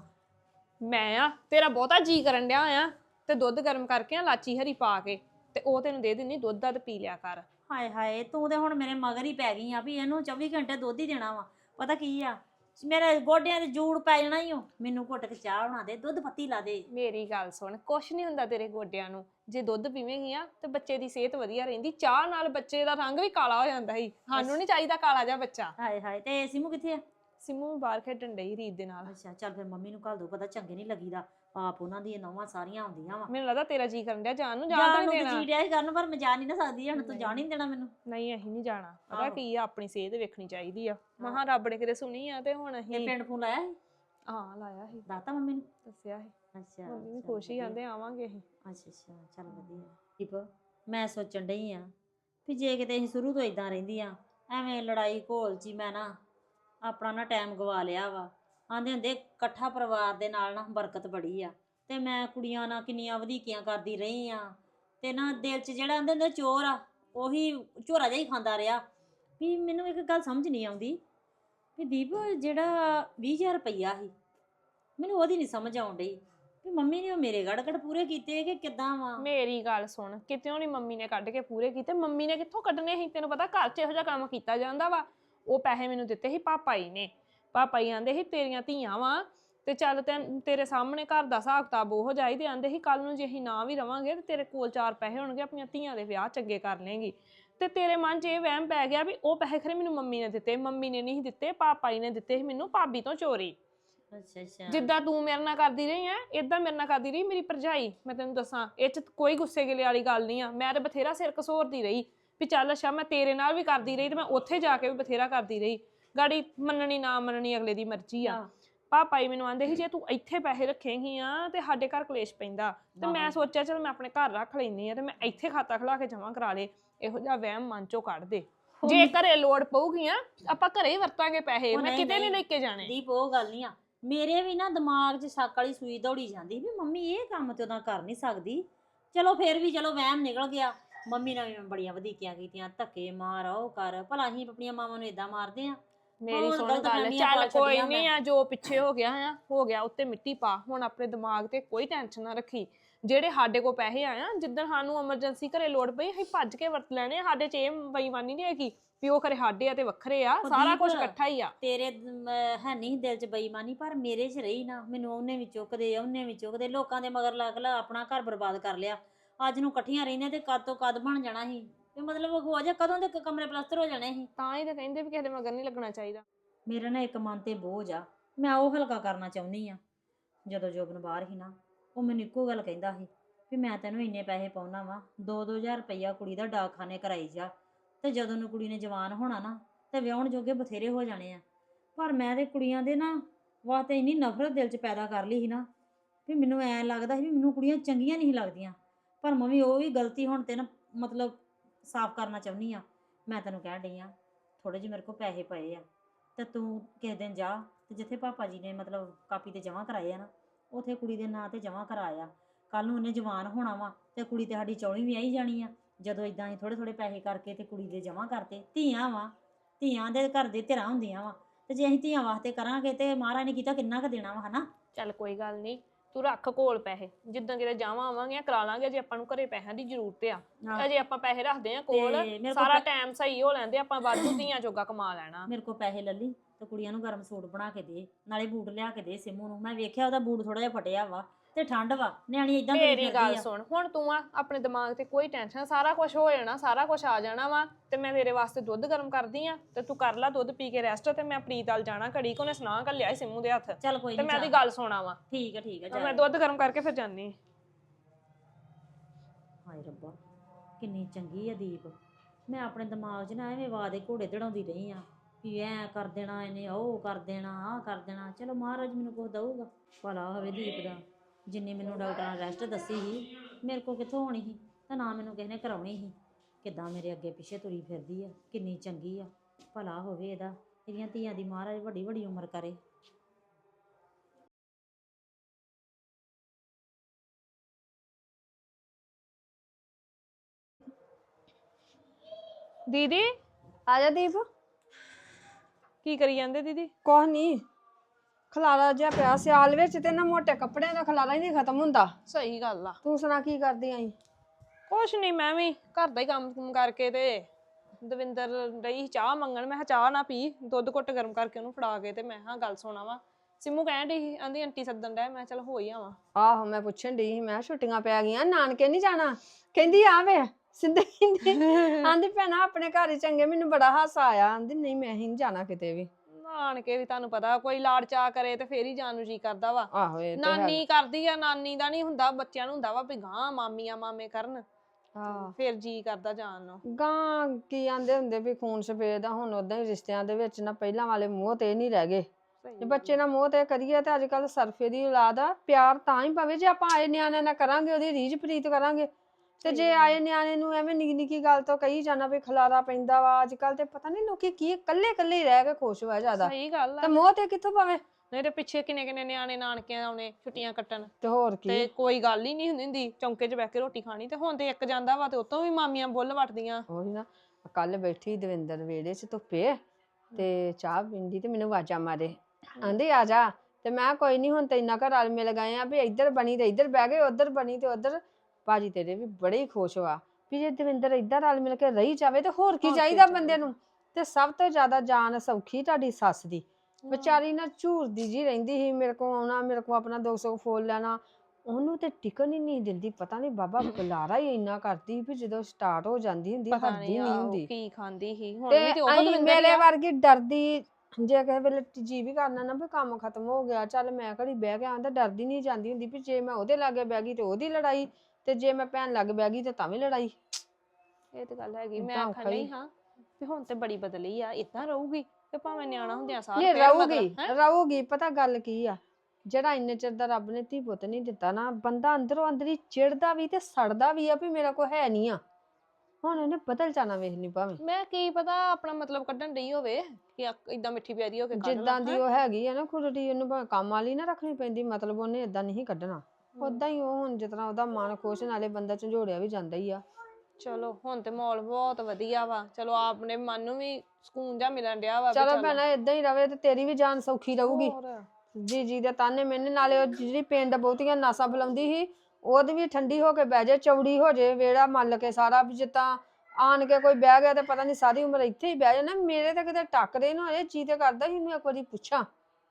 Speaker 2: ਮੈਂ ਆ ਤੇਰਾ ਬਹੁਤਾ ਜੀ ਕਰਨ ਡਿਆ ਆ, ਤੇ ਦੁੱਧ ਗਰਮ ਕਰਕੇ ਆ ਲਾਚੀ ਹਰੀ ਪਾ ਕੇ, ਤੇ ਉਹ ਤੈਨੂੰ ਦੇ ਦਿੰਨੀ, ਦੁੱਧ ਦਾ ਤੇ ਪੀ ਲਿਆ ਕਰ।
Speaker 4: ਹਾਏ ਹਾਏ ਤੂੰ ਤੇ ਹੁਣ ਮੇਰੇ ਮਗਰ ਹੀ ਪੈ ਗਈ ਆ ਵੀ ਇਹਨੂੰ 24 ਘੰਟੇ ਦੁੱਧ ਹੀ ਦੇਣਾ ਵਾ। ਪਤਾ ਕੀ ਆ, ਮੇਰੇ ਗੋਡਿਆਂ ਤੇ ਜੂੜ ਪੈ ਜਾਣਾ ਹੀ ਓ। ਮੈਨੂੰ ਘੁੱਟ ਕੇ ਚਾਹ ਬਣਾ ਦੇ, ਦੁੱਧ ਪੱਤੀ ਲਾ ਦੇ।
Speaker 2: ਮੇਰੀ ਗੱਲ ਸੁਣ, ਕੁਛ ਨਹੀਂ ਹੁੰਦਾ ਤੇਰੇ ਗੋਡਿਆਂ ਨੂੰ, ਜੇ ਦੁੱਧ ਪੀਵੇਂਗੀ ਆ ਤੇ ਬੱਚੇ ਦੀ ਸਿਹਤ ਵਧੀਆ ਰਹਿੰਦੀ। ਚਾਹ ਨਾਲ ਬੱਚੇ ਦਾ ਰੰਗ ਵੀ ਕਾਲਾ ਹੋ ਜਾਂਦਾ ਸੀ, ਸਾਨੂੰ ਨਹੀਂ ਚਾਹੀਦਾ ਕਾਲਾ ਜਿਹਾ ਬੱਚਾ।
Speaker 4: ਹਾਏ ਹਾਏ, ਤੇ ਸਿਮੂ ਕਿੱਥੇ ਆ?
Speaker 2: ਸਿੰਮੂ ਵੀ ਬਾਹਰ ਖੇਡਣ ਡਈ ਰੀਤ ਦੇ ਨਾਲ।
Speaker 4: ਅੱਛਾ ਚੱਲ ਫਿਰ ਮੰਮੀ ਨੂੰ ਘੱਲ ਦੋ, ਪਤਾ ਚੰਗੇ ਨਹੀਂ ਲੱਗੀਦਾ, ਆਪ ਉਹਨਾਂ ਦੀਆਂ ਨੌਵਾਂ ਸਾਰੀਆਂ ਆਉਂਦੀਆਂ ਵਾ।
Speaker 2: ਮੈਨੂੰ ਲੱਗਦਾ ਤੇਰਾ ਜੀ ਕਰਨ ਡਿਆ ਜਾਣ ਨੂੰ, ਜਾਣ
Speaker 4: ਜਾਣ
Speaker 2: ਤਾਂ
Speaker 4: ਨੂੰ
Speaker 2: ਨਹੀਂ
Speaker 4: ਤੇ
Speaker 2: ਦੇਣਾ।
Speaker 4: ਜੀ ਡਿਆ ਸੀ ਕਰਨ, ਪਰ ਮੈਂ ਜਾ ਨਹੀਂ ਨਾ ਸਕਦੀ, ਹੁਣ ਤੂੰ ਜਾਣ ਨਹੀਂ ਦੇਣਾ ਮੈਨੂੰ।
Speaker 2: ਨਹੀਂ ਅਸੀਂ ਨਹੀਂ ਜਾਣਾ, ਪਤਾ
Speaker 4: ਆਹੋ।
Speaker 2: ਕੀ ਆ, ਆਪਣੀ ਸਿਹਤ ਵੇਖਣੀ ਚਾਹੀਦੀ ਆ। ਮਹਾ ਰੱਬ ਨੇ ਕਿਤੇ ਸੁਣੀ ਆ, ਤੇ ਹੁਣ
Speaker 4: ਇਹ
Speaker 2: ਅਸੀਂ
Speaker 4: ਪਿੰਡ ਫੋਨ ਲਾਇਆ ਸੀ?
Speaker 2: ਹਾਂ ਲਾਇਆ ਸੀ,
Speaker 4: ਦੱਸਤਾ ਮੰਮੀ ਨੂੰ?
Speaker 2: ਦੱਸਿਆ ਸੀ।
Speaker 4: ਅੱਛਾ
Speaker 2: ਮੰਮੀ ਵੀ
Speaker 4: ਚੱਲ
Speaker 2: ਖੁਸ਼ ਹੀ
Speaker 4: ਵਧੀਆ।
Speaker 2: ਆਂਦੇ ਆਵਾਂਗੇ ਅਸੀਂ।
Speaker 4: ਅੱਛਾ ਅੱਛਾ ਚੱਲ ਵਧੀਆ। ਦੀਪ ਮੈਂ ਸੋਚਣ ਡਈ ਆ ਵੀ ਜੇ ਕਿਤੇ ਅਸੀਂ ਸ਼ੁਰੂ ਤੋਂ ਇਦਾਂ ਰਹਿੰਦੀਆਂ, ਐਵੇਂ ਲੜਾਈ ਘੋਲ 'ਚ ਹੀ ਮੈਂ ਨਾ ਆਪਣਾ ਨਾ ਟਾਈਮ ਗਵਾ ਲਿਆ ਵਾ। ਆਂਦੇ ਹੁੰਦੇ ਇਕੱਠਾ ਪਰਿਵਾਰ ਦੇ ਨਾਲ ਨਾ ਬਰਕਤ ਬੜੀ ਆ, ਤੇ ਮੈਂ ਕੁੜੀਆਂ ਨਾਲ ਕਿੰਨੀਆਂ ਵਧੀਕੀਆਂ ਕਰਦੀ ਰਹੀ ਆ, ਤੇ ਨਾ ਦਿਲ 'ਚ ਜਿਹੜਾ ਆਂਦੇ ਹੁੰਦੇ ਚੋਰ ਆ, ਉਹੀ ਝੋਰਾ ਜਿਹਾ ਹੀ ਖਾਂਦਾ ਰਿਹਾ। ਵੀ ਮੈਨੂੰ ਇੱਕ ਗੱਲ ਸਮਝ ਨਹੀਂ ਆਉਂਦੀ ਵੀ ਦੀਪ ਜਿਹੜਾ 20,000 ਰੁਪਈਆ ਸੀ, ਮੈਨੂੰ ਉਹਦੀ ਨਹੀਂ ਸਮਝ ਆਉਣ ਡਈ ਵੀ ਮੰਮੀ ਨੇ ਉਹ ਮੇਰੇ ਗੜਗੜ ਪੂਰੇ ਕੀਤੇ ਕਿ ਕਿੱਦਾਂ ਵਾ।
Speaker 2: ਮੇਰੀ ਗੱਲ ਸੁਣ, ਕਿਤਿਓਂ ਨਹੀਂ ਮੰਮੀ ਨੇ ਕੱਢ ਕੇ ਪੂਰੇ ਕੀਤੇ। ਮੰਮੀ ਨੇ ਕਿੱਥੋਂ ਕੱਢਣੇ ਸੀ? ਤੈਨੂੰ ਪਤਾ ਘਰ 'ਚ ਇਹੋ ਜਿਹਾ ਕੰਮ ਕੀਤਾ ਜਾਂਦਾ ਵਾ। ਉਹ ਪੈਸੇ ਮੈਨੂੰ ਦਿੱਤੇ ਸੀ ਪਾਪਾ ਜੀ ਨੇ। ਪਾਪਾ ਜੀ ਆਂਦੇ ਸੀ ਤੇਰੀਆਂ ਧੀਆਂ ਵਾ, ਤੇ ਚੱਲ ਤੇਰੇ ਸਾਹਮਣੇ ਘਰ ਦਾ ਹਿਸਾਬ ਕਿਤਾਬ ਉਹੋ ਜਿਹਾ ਹੀ, ਤੇ ਆਂਦੇ ਸੀ ਕੱਲ ਨੂੰ ਜੇ ਅਸੀਂ ਨਾ ਵੀ ਰਵਾਂਗੇ ਤੇ ਤੇਰੇ ਕੋਲ 4 ਪੈਸੇ ਹੋਣਗੇ, ਆਪਣੀਆਂ ਧੀਆਂ ਦੇ ਵਿਆਹ ਚੰਗੇ ਕਰ ਲੇਂਗੀ। ਤੇ ਤੇਰੇ ਮਨ 'ਚ ਇਹ ਵਹਿਮ ਪੈ ਗਿਆ ਵੀ ਉਹ ਪੈਸੇ ਖਰੇ ਮੈਨੂੰ ਮੰਮੀ ਨੇ ਦਿੱਤੇ। ਮੰਮੀ ਨੇ ਨਹੀਂ ਦਿੱਤੇ, ਪਾਪਾ ਜੀ ਨੇ ਦਿੱਤੇ ਸੀ ਮੈਨੂੰ ਭਾਬੀ ਤੋਂ ਚੋਰੀ।
Speaker 4: ਅੱਛਾ ਅੱਛਾ।
Speaker 2: ਜਿੱਦਾਂ ਤੂੰ ਮੇਰੇ ਨਾਲ ਕਰਦੀ ਰਹੀ ਆ, ਏਦਾਂ ਮੇਰੇ ਨਾਲ ਕਰਦੀ ਰਹੀ ਮੇਰੀ ਭਰਜਾਈ। ਮੈਂ ਤੈਨੂੰ ਦੱਸਾਂ, ਇਹ 'ਚ ਕੋਈ ਗੁੱਸੇ ਗਿਲੇ ਵਾਲੀ ਗੱਲ ਨਹੀਂ ਆ। ਮੈਂ ਤੇ ਬਥੇਰਾ ਸਿਰ ਘਸੋਰਦੀ ਰਹੀ ਵੀ ਚੱਲ ਅੱਛਾ ਮੈਂ ਤੇਰੇ ਨਾਲ ਵੀ ਕਰਦੀ ਰਹੀ, ਤੇ ਮੈਂ ਉੱਥੇ ਜਾ ਕੇ ਵੀ ਬਥੇਰਾ ਕਰਦੀ ਰਹੀ। ਗਾੜੀ ਮੰਨਣੀ ਨਾ ਮੰਨਣੀ ਅਗਲੇ ਦੀ ਮਰਜ਼ੀ ਆ। ਪਾਪਾ ਜੀ ਮੈਨੂੰ ਆਂਦੇ ਸੀ ਜੇ ਤੂੰ ਇੱਥੇ ਪੈਸੇ ਰੱਖੇਂਗੀ ਆ ਤੇ ਸਾਡੇ ਘਰ ਕਲੇਸ਼ ਪੈਂਦਾ। ਤੇ ਮੈਂ ਸੋਚਿਆ ਚਲ ਮੈਂ ਆਪਣੇ ਘਰ ਰੱਖ ਲੈਂਦੀ ਆ, ਤੇ ਮੈਂ ਇੱਥੇ ਖਾਤਾ ਖੁਲਾ ਕੇ ਜਮਾ ਕਰਾ ਲੇ। ਇਹੋ ਜਿਹਾ ਵਹਿਮ ਮਨ ਚੋਂ ਕੱਢ ਦੇ। ਜੇ ਘਰੇ ਲੋੜ ਪਊਗੀ ਆ ਆਪਾਂ ਘਰੇ ਹੀ ਵਰਤਾਂਗੇ ਪੈਸੇ, ਮੈਂ ਕਿਤੇ ਨਹੀਂ ਲੈ ਕੇ ਜਾਣੇ।
Speaker 4: ਦੀਪ ਉਹ ਗੱਲ ਨਹੀਂ ਆ, ਮੇਰੇ ਵੀ ਨਾ ਦਿਮਾਗ 'ਚ ਸ਼ੱਕ ਵਾਲੀ ਸੂਈ ਦੌੜੀ ਜਾਂਦੀ ਵੀ ਮੰਮੀ ਇਹ ਕੰਮ ਤੇ ਉਹਦਾ ਕਰ ਨਹੀਂ ਸਕਦੀ। ਚਲੋ ਫਿਰ ਵੀ ਚਲੋ ਵਹਿਮ ਨਿਕਲ ਗਿਆ। ਮੰਮੀ ਨੇ ਵੀ ਬੜੀਆਂ ਵਧੀਕੀਆਂ ਕੀਤੀਆਂ, ਧੱਕੇ ਮਾਰ ਉਹ ਕਰ, ਭਲਾ ਅਸੀਂ ਆਪਣੀਆਂ ਮਾਵਾਂ ਨੂੰ ਏਦਾਂ ਮਾਰਦੇ ਆ?
Speaker 2: ਮੇਰੀ ਸੁਣ ਗੱਲ, ਚੱਲ ਕੋਈ ਨਹੀਂ ਆ, ਜੋ ਪਿੱਛੇ ਹੋ ਗਿਆ ਹੋ ਗਿਆ, ਉੱਤੇ ਮਿੱਟੀ ਪਾ। ਹੁਣ ਆਪਣੇ ਦਿਮਾਗ ਤੇ ਕੋਈ ਟੈਨਸ਼ਨ ਨਾ ਰੱਖੀ। ਜਿਹੜੇ ਸਾਡੇ ਕੋਲ ਪੈਸੇ ਆਇਆ, ਜਿੱਦਣ ਸਾਨੂੰ ਐਮਰਜੈਂਸੀ ਘਰੇ ਲੋੜ ਪਈ, ਅਸੀਂ ਭੱਜ ਕੇ ਵਰਤ ਲੈਣੇ। ਸਾਡੇ 'ਚ ਇਹ ਬੇਈਮਾਨੀ ਨਹੀਂ ਹੈਗੀ ਵੀ ਉਹ ਖਰੇ ਸਾਡੇ ਆ ਤੇ ਵੱਖਰੇ ਆ, ਸਾਰਾ ਕੁਝ ਇਕੱਠਾ ਹੀ ਆ।
Speaker 4: ਤੇਰੇ ਹੈ ਨਹੀਂ ਦਿਲ 'ਚ ਬੇਈਮਾਨੀ, ਪਰ ਮੇਰੇ 'ਚ ਰਹੀ ਨਾ। ਮੈਨੂੰ ਉਹਨੇ ਵੀ ਚੁੱਕਦੇ, ਉਹਨੇ ਵੀ ਚੁੱਕਦੇ, ਲੋਕਾਂ ਦੇ ਮਗਰ ਲੱਗ ਲਾ ਆਪਣਾ ਘਰ ਬਰਬਾਦ ਕਰ ਲਿਆ। ਅੱਜ ਨੂੰ ਇਕੱਠੀਆਂ ਰਹਿੰਦੀਆਂ ਤੇ ਕਦ ਤੋਂ ਕਦ ਬਣ ਜਾਣਾ ਸੀ, ਤੇ ਮਤਲਬ ਹੋ ਜਾ ਕਦੋਂ ਦੇ ਕਮਰੇ ਪਲਸਤਰ ਹੋ ਜਾਣੇ ਸੀ।
Speaker 2: ਤਾਂ ਹੀ ਤਾਂ ਕਹਿੰਦੇ ਵੀ ਕਿਸੇ ਦੇ ਮਗਰ ਨਹੀਂ ਲੱਗਣਾ ਚਾਹੀਦਾ।
Speaker 4: ਮੇਰਾ ਨਾ ਇੱਕ ਮਨ ਤੇ ਬੋਝ ਆ, ਮੈਂ ਉਹ ਹਲਕਾ ਕਰਨਾ ਚਾਹੁੰਦੀ ਆ। ਜਦੋਂ ਜੋਬਨ ਬਾਹਰ ਸੀ ਨਾ, ਉਹ ਮੈਨੂੰ ਇੱਕੋ ਗੱਲ ਕਹਿੰਦਾ ਸੀ ਵੀ ਮੈਂ ਤੈਨੂੰ ਇੰਨੇ ਪੈਸੇ ਪਾਉਣਾ ਵਾ, 2-2000 ਰੁਪਈਆ ਕੁੜੀ ਦਾ ਡਾਕਖਾਨੇ ਕਰਾਈ ਜਾ, ਤੇ ਜਦੋਂ ਨੂੰ ਕੁੜੀ ਨੇ ਜਵਾਨ ਹੋਣਾ ਨਾ ਤੇ ਵਿਆਹੁਣ ਜੋਗੇ ਬਥੇਰੇ ਹੋ ਜਾਣੇ ਆ। ਪਰ ਮੈਂ ਤੇ ਕੁੜੀਆਂ ਦੇ ਨਾ ਵਾਸਤੇ ਇੰਨੀ ਨਫ਼ਰਤ ਦਿਲ 'ਚ ਪੈਦਾ ਕਰ ਲਈ ਸੀ ਨਾ ਵੀ ਮੈਨੂੰ ਐਂ ਲੱਗਦਾ ਸੀ ਵੀ ਮੈਨੂੰ ਕੁੜੀਆਂ ਚੰਗੀਆਂ ਨਹੀਂ ਲੱਗਦੀਆਂ। ਪਰ ਮੈਂ ਵੀ ਉਹ ਵੀ ਗਲਤੀ ਹੁਣ ਤੇ ਨਾ ਮਤਲਬ ਸਾਫ਼ ਕਰਨਾ ਚਾਹੁੰਦੀ ਆ। ਮੈਂ ਤੈਨੂੰ ਕਹਿਣ ਡਈ ਆ, ਥੋੜੇ ਜਿਹੇ ਮੇਰੇ ਕੋਲ ਪੈਸੇ ਪਏ ਆ, ਤੇ ਤੂੰ ਕਿਸੇ ਦਿਨ ਜਾ ਤੇ ਜਿੱਥੇ ਪਾਪਾ ਜੀ ਨੇ ਮਤਲਬ ਕਾਪੀ ਤੇ ਜਮ੍ਹਾਂ ਕਰਾਏ ਆ ਨਾ, ਉੱਥੇ ਕੁੜੀ ਦੇ ਨਾਂ ਤੇ ਜਮ੍ਹਾਂ ਕਰਾਇਆ। ਕੱਲ ਨੂੰ ਉਹਨੇ ਜਵਾਨ ਹੋਣਾ ਵਾ ਤੇ ਕੁੜੀ ਤੇ ਸਾਡੀ ਚੌਲੀ ਵੀ ਆਈ ਜਾਣੀ ਆ। ਜਦੋਂ ਇਦਾਂ ਹੀ ਥੋੜੇ ਥੋੜੇ ਪੈਸੇ ਕਰਕੇ ਤੇ ਕੁੜੀ ਦੇ ਜਮ੍ਹਾਂ ਕਰਤੇ, ਧੀਆਂ ਵਾ, ਧੀਆਂ ਦੇ ਘਰ ਦੇ ਧਿਰਾਂ ਹੁੰਦੀਆਂ ਵਾ, ਤੇ ਜੇ ਅਸੀਂ ਧੀਆਂ ਵਾਸਤੇ ਕਰਾਂਗੇ ਤੇ ਮਹਾਰਾਜ ਨੇ ਕੀਤਾ ਕਿੰਨਾ ਕੁ ਦੇਣਾ ਵਾ ਹਨਾ।
Speaker 2: ਚੱਲ ਕੋਈ ਗੱਲ ਨਹੀਂ, ਤੂੰ ਰੱਖ ਕੋਲ ਪੈਸੇ, ਜਿੱਦਾਂ ਕਿਤੇ ਜਾਵਾਂ ਆਵਾਂਗੇ ਕਰਾ ਲਾਂਗੇ, ਜੇ ਆਪਾਂ ਨੂੰ ਘਰੇ ਪੈਸਿਆਂ ਦੀ ਜ਼ਰੂਰਤ ਆ।
Speaker 4: ਹਾਂ।
Speaker 2: ਅਜੇ ਆਪਾਂ ਪੈਸੇ ਰੱਖਦੇ ਆ ਕੋਲ,
Speaker 4: ਤੇ ਮੇਰੇ ਕੋਲ
Speaker 2: ਸਾਰਾ ਟਾਈਮ ਸਹੀ ਹੋ ਲੈਂਦੇ, ਆਪਾਂ ਵਾਧੂ ਧੀਆਂ ਜੋਗਾ ਕਮਾ ਲੈਣਾ।
Speaker 4: ਮੇਰੇ ਕੋਲ ਪੈਸੇ ਲੈ ਲਈ ਤੇ ਕੁੜੀਆਂ ਨੂੰ ਗਰਮ ਸੂਟ ਬਣਾ ਕੇ ਦੇ, ਨਾਲੇ ਬੂਟ ਲਿਆ ਕੇ ਦੇ ਸਿੰਮੂ ਨੂੰ। ਮੈਂ ਵੇਖਿਆ ਉਹਦਾ ਬੂਟ ਥੋੜਾ ਜਿਹਾ ਫਟਿਆ ਵਾ ਤੇ ਠੰਡ ਵਾ, ਨਿਆਣੀ ਇਦਾਂ
Speaker 2: ਮੇਰੀ ਗੱਲ ਸੁਣ, ਹੁਣ ਤੂੰ ਆ ਆਪਣੇ ਦਿਮਾਗ ਤੇ ਕੋਈ ਟੈਨਸ਼ਨ, ਸਾਰਾ ਕੁਝ ਹੋ ਜਾਣਾ, ਸਾਰਾ ਕੁਝ ਆ ਜਾਣਾ ਵਾ। ਤੇ ਮੈਂ ਤੇਰੇ ਵਾਸਤੇ ਦੁੱਧ ਗਰਮ ਕਰਦੀ ਆ ਤੇ ਤੂੰ ਕਰ ਲੈ ਦੁੱਧ ਪੀ ਕੇ ਰੈਸਟ। ਤੇ ਮੈਂ ਪ੍ਰੀਤ ਵੱਲ ਜਾਣਾ, ਘੜੀ ਕੋਨੇ ਸੁਣਾ ਘੱਲਿਆ ਸਿੰਮੂ ਦੇ ਹੱਥ।
Speaker 4: ਚੱਲ ਕੋਈ
Speaker 2: ਤੇ
Speaker 4: ਨਹੀਂ
Speaker 2: ਮੈਂ ਦੀ ਗੱਲ ਸੁਣਾ ਵਾ।
Speaker 4: ਠੀਕ ਹੈ
Speaker 2: ਮੈਂ ਦੁੱਧ ਗਰਮ ਕਰਕੇ ਫਿਰ ਜਾਨੀ।
Speaker 4: ਹਾਏ ਰੱਬਾ ਕਿੰਨੀ ਚੰਗੀ ਆ ਦੀਪ। ਮੈਂ ਆਪਣੇ ਦਿਮਾਗ 'ਚ ਨਾ ਐਵੇਂ ਵਾਦੇ ਘੋੜੇ ਦੜਾਉਂਦੀ ਰਹੀ ਆ ਵੀ ਐ ਕਰ ਦੇਣਾ ਇਹਨੇ, ਉਹ ਕਰ ਦੇਣਾ, ਆਹ ਕਰ ਦੇਣਾ। ਚਲੋ ਮਹਾਰਾਜ ਮੈਨੂੰ ਕੁਛ ਦਊਗਾ, ਭਲਾ ਹੋਵੇ ਦੀਪ ਦਾ। ਜਿੰਨੀ ਮੈਨੂੰ ਡਾਕਟਰਾਂ ਨੇ ਰੈਸਟ ਦੱਸੀ ਸੀ ਮੇਰੇ ਕੋਲ ਕਿੱਥੋਂ ਹੋਣੀ ਸੀ, ਤੇ ਨਾ ਮੈਨੂੰ ਕਿਸੇ ਨੇ ਕਰਾਉਣੀ ਸੀ। ਕਿੱਦਾਂ ਮੇਰੇ ਅੱਗੇ ਪਿੱਛੇ ਤੁਰੀ ਫਿਰਦੀ ਆ, ਕਿੰਨੀ ਚੰਗੀ ਆ। ਭਲਾ ਹੋਵੇ ਇਹਦਾ, ਇਹਦੀਆਂ ਧੀਆਂ ਦੀ ਮਹਾਰਾਜ ਵੱਡੀ ਵੱਡੀ ਉਮਰ ਕਰੇ।
Speaker 2: ਦੀਦੀ
Speaker 5: ਆ ਜਾ ਦੀਪ।
Speaker 2: ਕੀ ਕਰੀ ਜਾਂਦੇ ਦੀਦੀ?
Speaker 5: ਕੁਛ ਨਹੀਂ, ਖਲਾਰਾ ਜਿਹਾ ਪਿਆ ਸਿਆਲ ਵਿੱਚ ਤੇ ਨਾ ਮੋਟੇ ਕੱਪੜਿਆਂ ਦਾ ਖਲਾਰਾ ਹੀ ਨਹੀਂ ਖਤਮ ਹੁੰਦਾ।
Speaker 2: ਸਹੀ ਗੱਲ ਆ।
Speaker 5: ਤੂੰ ਸੁਣਾ ਕੀ ਕਰਦੀ ਆਈ?
Speaker 2: ਕੁਛ ਨਹੀਂ, ਮੈਂ ਵੀ ਘਰ ਦਾ ਹੀ ਕੰਮ ਕੁਮ ਕਰਕੇ ਤੇ ਦਵਿੰਦਰ ਰਹੀ ਚਾਹ ਮੰਗਣ। ਮੈਂ ਕਿਹਾ ਚਾਹ ਨਾ ਪੀ, ਦੁੱਧ ਘੁੱਟ ਗਰਮ ਕਰਕੇ ਉਹਨੂੰ ਫੜਾ ਕੇ ਤੇ ਮੈਂ ਕਿਹਾ ਗੱਲ ਸੁਣਾ ਵਾ। ਸਿੰਮੂ ਕਹਿਣ ਡਈ ਸੀ, ਆਂਦੀ ਆਂਟੀ ਸੱਦਣ ਡਿਆ। ਮੈਂ ਚਲ ਹੋ ਹੀ ਆਵਾਂ।
Speaker 5: ਆਹੋ ਮੈਂ ਪੁੱਛਣ ਡਈ ਸੀ, ਮੈਂ ਕਿਹਾ ਛੁੱਟੀਆਂ ਪੈ ਗਈਆਂ ਨਾਨਕੇ ਨਹੀਂ ਜਾਣਾ? ਕਹਿੰਦੀ ਆਵੇ ਸਿੱਧੇ ਆਂਦੀ ਭੈਣਾ ਆਪਣੇ ਘਰ ਹੀ ਚੰਗੇ। ਮੈਨੂੰ ਬੜਾ ਹਾਸਾ ਆਇਆ। ਆਂਦੀ ਨਹੀਂ ਮੈਂ ਹੀ ਨਹੀਂ ਜਾਣਾ ਕਿਤੇ ਵੀ।
Speaker 2: ਨਾਨਕੇ ਵੀ ਤੁਹਾਨੂੰ ਪਤਾ ਕੋਈ ਲਾੜ ਚਾਅ ਕਰੇ ਤੇ ਫੇਰ ਹੀ ਜਾਣ ਨੂੰ ਜੀ ਕਰਦਾ ਵਾ।
Speaker 5: ਆਹੋ ਇਹ ਤੇ
Speaker 2: ਨਾਨੀ ਕਰਦੀ ਆ, ਨਾਨੀ ਦਾ ਨਹੀਂ ਹੁੰਦਾ, ਬੱਚਿਆਂ ਨੂੰ ਹੁੰਦਾ ਵਾ ਵੀ ਗਾਂ ਮਾਮੀਆਂ ਮਾਮੇ ਕਰਨ,
Speaker 5: ਹਾਂ
Speaker 2: ਫੇਰ ਜੀ ਕਰਦਾ ਜਾਣ ਨੂੰ।
Speaker 5: ਗਾਂ ਕੀ ਆਂਦੇ ਹੁੰਦੇ ਵੀ ਖੂਨ ਸਫੇਦ ਆ। ਹੁਣ ਉਦਾਂ ਹੀ ਰਿਸ਼ਤਿਆਂ ਦੇ ਵਿੱਚ ਨਾ ਪਹਿਲਾਂ ਵਾਲੇ ਮੋਹ ਤੇ ਨਹੀਂ ਰਹਿ ਗਏ। ਜੇ ਬੱਚੇ ਨਾਲ ਮੋਹ ਤੇ ਕਰੀਏ ਤੇ ਅੱਜ ਕੱਲ ਸਰਫੇ ਦੀ ਔਲਾਦ ਆ। ਪਿਆਰ ਤਾਂ ਹੀ ਪਵੇ ਜੇ ਆਪਾਂ ਆਏ ਨਿਆਣਿਆਂ ਨਾਲ ਕਰਾਂਗੇ, ਉਹਦੀ ਰੀਝ ਪ੍ਰੀਤ ਕਰਾਂਗੇ। ਤੇ ਜੇ ਆਏ ਨਿਆਣੇ ਨੂੰ ਐਵੇਂ ਨਿੱਕੀ ਨਿੱਕੀ ਗੱਲ ਤੋਂ ਕਹੀ ਜਾਣਾ ਵੀ ਖਲਾਰਾ ਪੈਂਦਾ ਵਾ, ਅੱਜ ਕੱਲ ਤੇ ਪਤਾ ਨਹੀਂ ਲੋਕੀ ਕੀ ਇਕੱਲੇ ਇਕੱਲੇ ਹੀ ਰਹਿ ਕੇ ਖੁਸ਼ ਹੋਇਆ ਜ਼ਿਆਦਾ।
Speaker 2: ਸਹੀ ਗੱਲ
Speaker 5: ਤੇ
Speaker 2: ਆ।
Speaker 5: ਮੋਹ ਤੇ ਕਿੱਥੋਂ ਪਵੇ?
Speaker 2: ਨਹੀਂ ਤੇ ਪਿੱਛੇ ਕਿੰਨੇ ਕਿੰਨੇ ਨਿਆਣੇ ਨਾਨਕਿਆਂ ਆਉਣੇ ਛੁੱਟੀਆਂ ਕੱਟਣ
Speaker 5: ਤੇ ਹੋਰ ਕੀ।
Speaker 2: ਤੇ ਕੋਈ ਗੱਲ ਹੀ ਨਹੀਂ ਹੁੰਦੀ ਚੌਂਕੇ 'ਚ ਬਹਿ ਕੇ ਰੋਟੀ ਖਾਣੀ। ਤੇ ਹੁਣ ਤੇ ਇੱਕ ਜਾਂਦਾ ਵਾ ਤੇ ਉਤੋਂ ਵੀ ਮਾਮੀਆਂ ਬੁੱਲ ਵੱਟਦੀਆਂ।
Speaker 5: ਉਹੀ ਨਾ, ਕੱਲ ਬੈਠੀ ਦਵਿੰਦਰ ਵਿਹੜੇ 'ਚ ਧੁੱਪੇ ਤੇ ਚਾਹ ਪੀਂਦੀ ਤੇ ਮੈਨੂੰ ਆਵਾਜ਼ਾਂ ਮਾਰੇ, ਆਂਦੀ ਆ ਜਾ। ਤੇ ਮੈਂ ਕੋਈ ਨਹੀਂ, ਹੁਣ ਤੇ ਇੰਨਾ ਘਰ ਰਲ ਮਿਲ ਗਏ ਆ ਵੀ ਇੱਧਰ ਬਣੀ ਤੇ ਇੱਧਰ ਬਹਿ ਗਏ, ਉੱਧਰ ਬਣੀ ਤੇ ਉੱਧਰ। ਭਾਜੀ ਤੇਰੇ ਵੀ ਬੜੇ ਹੀ ਖੁਸ਼ ਵਾ ਵੀ ਜੇ ਦਵਿੰਦਰ ਇੱਧਰ ਰਲ ਮਿਲ ਕੇ ਰਹੀ ਜਾਵੇ ਤੇ ਹੋਰ ਕੀ ਚਾਹੀਦਾ ਬੰਦੇ ਨੂੰ। ਤੇ ਸਭ ਤੋਂ ਜ਼ਿਆਦਾ ਜਾਨ ਸੌਖੀ ਤੁਹਾਡੀ ਸੱਸ ਦੀ। ਵਿਚਾਰੀ ਨਾ ਝੂਰਦੀ ਜੀ ਰਹਿੰਦੀ ਸੀ, ਮੇਰੇ ਕੋਲ ਆਉਣਾ, ਮੇਰੇ ਕੋਲ ਆਪਣਾ 200 ਫੋਲ ਲੈਣਾ। ਉਹਨੂੰ ਤੇ ਟਿਕਣ ਹੀ ਨਹੀਂ ਦਿੰਦੀ। ਪਤਾ ਨਹੀਂ ਬਾਬਾ ਬੁਲਾਰਾ ਹੀ ਇੰਨਾ ਕਰਦੀ ਵੀ ਜਦੋਂ ਸਟਾਰਟ ਹੋ ਜਾਂਦੀ ਹੁੰਦੀ
Speaker 2: ਪਤਾ
Speaker 5: ਹੱਦੀ ਨਹੀਂ ਹੁੰਦੀ।
Speaker 2: ਕੀ ਖਾਂਦੀ ਸੀ ਹੁਣ
Speaker 5: ਤੇ
Speaker 2: ਵੀ ਤੇ ਉਹ
Speaker 5: ਅਸੀਂ
Speaker 2: ਦਵਿੰਦਰ
Speaker 5: ਮੇਰੇ
Speaker 2: ਹੀ ਆ।
Speaker 5: ਵਰਗੀ ਡਰਦੀ, ਜੇ ਕਿਸੇ ਵੇਲੇ ਜੀ ਵੀ ਕਰਨਾ ਨਾ ਵੀ ਕੰਮ ਖਤਮ ਹੋ ਗਿਆ ਚੱਲ ਮੈਂ ਘੜੀ ਬਹਿ ਕੇ ਆਂਦਾ, ਡਰਦੀ ਨਹੀਂ ਜਾਂਦੀ ਹੁੰਦੀ ਵੀ ਜੇ ਮੈਂ ਉਹਦੇ ਲਾਗੇ ਬਹਿ ਗਈ ਤੇ ਉਹਦੀ ਲੜਾਈ, ਤੇ ਜੇ ਮੈਂ ਭੈਣ ਲਾਗੇ ਬਹਿ ਗਈ ਤੇ ਤਾਂ ਵੀ ਲੜਾਈ।
Speaker 2: ਇਹ ਤੇ ਗੱਲ ਹੈਗੀ। ਮੈਂ
Speaker 5: ਏਦਾਂ
Speaker 2: ਆਖਣ
Speaker 5: ਔਖਾ ਹੀ।
Speaker 2: ਨਹੀਂ ਹਾਂ ਵੀ ਹੁਣ ਤੇ ਬੜੀ ਬਦਲੀ ਆ, ਇਦਾਂ ਰਹੂਗੀ ਤੇ ਭਾਵੇਂ ਨਿਆਣਾ ਹੁੰਦਿਆਂ ਸਾਰ
Speaker 5: ਨਹੀਂ
Speaker 2: ਫੇਰ
Speaker 5: ਰਹੂਗੀ
Speaker 2: ਮਤਲਬ, ਹੈਂ?
Speaker 5: ਰਹੂਗੀ। ਪਤਾ ਗੱਲ ਕੀ ਆ, ਜਿਹੜਾ ਇੰਨੇ ਚਿਰ ਦਾ ਰੱਬ ਨੇ ਧੀ ਪੁੱਤ ਨਹੀਂ ਦਿੱਤਾ ਨਾ, ਬੰਦਾ ਅੰਦਰੋਂ ਅੰਦਰ ਹੀ ਚਿੜਦਾ ਵੀ ਤੇ ਸੜਦਾ ਵੀ ਆ ਵੀ ਮੇਰਾ ਕੋਈ ਹੈ ਨਹੀਂ ਆ। ਹੁਣ ਉਹਨੇ ਬਦਲ ਜਾਣਾ ਵੇਖ ਲਈ ਭਾਵੇਂ
Speaker 2: ਮੈਂ ਕੀ ਪਤਾ ਆਪਣਾ ਮਤਲਬ ਕੱਢਣ ਡਈ ਹੋਵੇ ਕਿ ਇਦਾਂ ਮਿੱਠੀ ਪਿਆਰੀ ਹੋ ਕੇ ਕੱਢ ਲਾ।
Speaker 5: ਜਿੱਦਾਂ ਦੀ ਉਹ ਹੈਗੀ ਆ ਨਾ ਖੁਰੜੀ, ਉਹਨੂੰ ਭਾਵੇਂ ਕੰਮ ਵਾਲੀ ਨਾ ਰੱਖਣੀ ਪੈਂਦੀ, ਮਤਲਬ ਉਹਨੇ ਏਦਾਂ ਨਹੀਂ ਕੱਢਣਾ। ਉਦਾਂ ਹੀ ਉਹ ਹੁਣ ਜਿਤਨਾ ਉਹਦਾ ਮਨ ਖੁਸ਼, ਨਾਲੇ ਬੰਦਾ ਝੰਜੋੜਿਆ ਵੀ ਜਾਂਦਾ ਹੀ ਆ।
Speaker 2: ਚਲੋ ਹੁਣ ਤੇ ਮਾਹੌਲ ਬਹੁਤ ਵਧੀਆ ਵਾ। ਚਲੋ ਆਪਣੇ ਮਨ ਨੂੰ ਵੀ ਸਕੂਨ ਜਾ ਮਿਲਣ ਡਿਆ ਵਾ ਵੀ
Speaker 5: ਚਲੋ
Speaker 2: ਚੱਲ।
Speaker 5: ਭੈਣਾ ਏਦਾਂ ਹੀ ਰਵੇ ਤੇ ਤੇਰੀ ਵੀ ਜਾਨ ਸੌਖੀ ਰਹੂਗੀ।
Speaker 2: ਹੋਰ।
Speaker 5: ਜੀ ਦੇ ਤਾਨੇ ਮੈਨੇ, ਨਾਲੇ ਉਹ ਜਿਹੜੀ ਪਿੰਡ ਬਹੁਤੀਆਂ ਨਾਸਾਂ ਫਲਾਉਂਦੀ ਸੀ ਉਹਦੀ ਵੀ ਠੰਡੀ ਹੋ ਕੇ ਬਹਿ ਜਾ, ਚੌੜੀ ਹੋ ਜੇ ਵਿਹੜਾ ਮੱਲ ਕੇ ਸਾਰਾ। ਵੀ ਜਿੱਦਾਂ ਆਣ ਕੇ ਕੋਈ ਬਹਿ ਗਿਆ ਤੇ ਪਤਾ ਨਹੀਂ ਸਾਰੀ ਉਮਰ ਇੱਥੇ ਹੀ ਬਹਿ ਜਾਣਾ। ਮੇਰੇ ਤਾਂ ਕਿਤੇ ਟੱਕਦੇ ਨਾ ਹੋਏ, ਜੀ ਤੇ ਕਰਦਾ ਸੀ ਇਹਨੂੰ ਇੱਕ ਵਾਰੀ ਪੁੱਛਾਂ।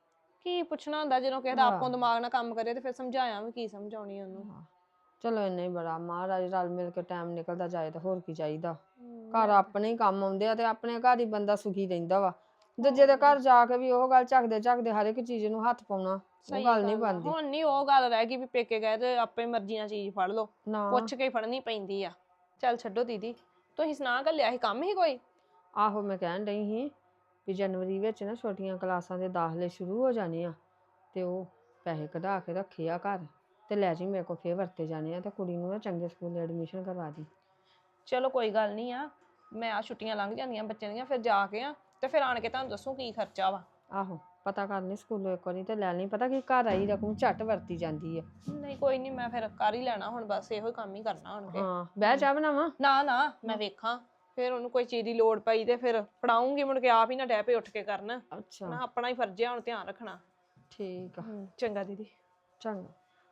Speaker 2: ਕੀ ਪੁੱਛਣਾ ਹੁੰਦਾ ਜਦੋਂ ਕਿਸੇ ਦਾ ਆਪੋ ਦਿਮਾਗ ਨਾਲ ਕੰਮ ਕਰੇ ਤੇ ਫਿਰ ਸਮਝਾਇਆ ਵੀ ਕੀ ਸਮਝਾਉਣੀ ਉਹਨੂੰ।
Speaker 5: ਚਲੋ ਇੰਨਾ ਹੀ ਬੜਾ, ਮਹਾਰਾਜ ਰਲ ਮਿਲ ਕੇ ਟਾਈਮ ਨਿਕਲਦਾ ਜਾਏ ਤਾਂ ਹੋਰ ਕੀ ਚਾਹੀਦਾ। ਘਰ ਆਪਣੇ ਹੀ ਕੰਮ ਆਉਂਦੇ ਆ ਤੇ ਆਪਣੇ ਘਰ ਹੀ ਬੰਦਾ ਸੁਖੀ ਰਹਿੰਦਾ ਵਾ। ਦੂਜੇ ਦੇ ਘਰ ਜਾ ਕੇ ਵੀ ਉਹ ਗੱਲ ਝੱਕਦੇ ਝੱਕਦੇ ਹਰ ਇੱਕ ਚੀਜ਼ ਨੂੰ ਹੱਥ ਪਾਉਣਾ, ਉਹ ਗੱਲ ਨਹੀਂ ਬਣਦੀ।
Speaker 2: ਹੁਣ ਨਹੀਂ ਉਹ ਗੱਲ ਰਹਿ ਗਈ ਵੀ ਪੇਕੇ ਗਏ ਤੇ ਆਪੇ ਮਰਜ਼ੀ ਨਾਲ ਚੀਜ਼ ਫੜ ਲਓ,
Speaker 5: ਨਾ
Speaker 2: ਪੁੱਛ ਕੇ ਫੜਨੀ ਪੈਂਦੀ ਆ। ਚੱਲ ਛੱਡੋ ਦੀਦੀ, ਤੁਸੀਂ ਸੁਣਾ ਘੱਲਿਆ ਸੀ ਕੰਮ ਹੀ ਕੋਈ?
Speaker 5: ਆਹੋ ਮੈਂ ਕਹਿਣ ਡਈ ਸੀ ਵੀ ਜਨਵਰੀ ਵਿੱਚ ਨਾ ਛੋਟੀਆਂ ਕਲਾਸਾਂ ਦੇ ਦਾਖਲੇ ਸ਼ੁਰੂ ਹੋ ਜਾਣੇ ਆ, ਤੇ ਉਹ ਪੈਸੇ ਕਢਾ ਕੇ ਰੱਖੇ ਆ ਘਰ, ਤੇ ਲੈ ਜੀ ਮੇਰੇ ਕੋਲ ਫੇਰ ਵਰਤੇ ਜਾਣੇ ਆ। ਤੇ ਕੁੜੀ ਨੂੰ ਨਾ ਚੰਗੇ ਸਕੂਲ ਐਡਮਿਸ਼ਨ ਕਰਵਾ ਦੀ।
Speaker 2: ਚਲੋ ਕੋਈ ਗੱਲ ਨਹੀਂ ਆ, ਮੈਂ ਆ ਛੁੱਟੀਆਂ ਲੰਘ ਜਾਂਦੀਆਂ ਬੱਚਿਆਂ ਦੀਆਂ, ਫਿਰ ਜਾ ਕੇ ਆ ਤੇ ਫਿਰ ਆਣ ਕੇ ਤੁਹਾਨੂੰ ਦੱਸੂ ਕੀ ਖਰਚਾ ਵਾ।
Speaker 5: ਆਹੋ ਪਤਾ ਕਰਨੀ ਸਕੂਲੋਂ ਇੱਕ ਵਾਰੀ ਤੇ ਲੈ ਲਈ, ਪਤਾ ਕੀ ਘਰ ਆਈ ਰਕਮ ਝੱਟ ਵਰਤੀ ਜਾਂਦੀ ਆ।
Speaker 2: ਨਹੀਂ ਕੋਈ ਨਹੀਂ, ਮੈਂ ਫਿਰ ਕਰ ਹੀ ਲੈਣਾ ਹੁਣ, ਬਸ ਇਹੋ ਹੀ ਕੰਮ ਹੀ ਕਰਨਾ ਹੁਣ ਕੇ।
Speaker 5: ਹਾਂ ਬਹਿ ਚਾਹ ਬਣਾਵਾਂ?
Speaker 2: ਨਾ ਨਾ ਮੈਂ ਵੇਖਾਂ ਫਿਰ ਉਹਨੂੰ ਕੋਈ ਚੀਜ਼ ਦੀ ਲੋੜ ਪਈ ਤੇ ਫਿਰ ਫੜਾਉਂਗੀ, ਮੁੜ ਕੇ ਆਪ ਹੀ ਨਾ ਡੈ ਪਏ ਉੱਠ ਕੇ ਕਰਨ।
Speaker 5: ਅੱਛਾ
Speaker 2: ਨਾ ਆਪਣਾ ਹੀ ਫਰਜ਼ ਆ ਹੁਣ ਧਿਆਨ ਰੱਖਣਾ।
Speaker 5: ਠੀਕ ਆ,
Speaker 2: ਚੰਗਾ ਦੀਦੀ।
Speaker 5: ਚੰਗਾ।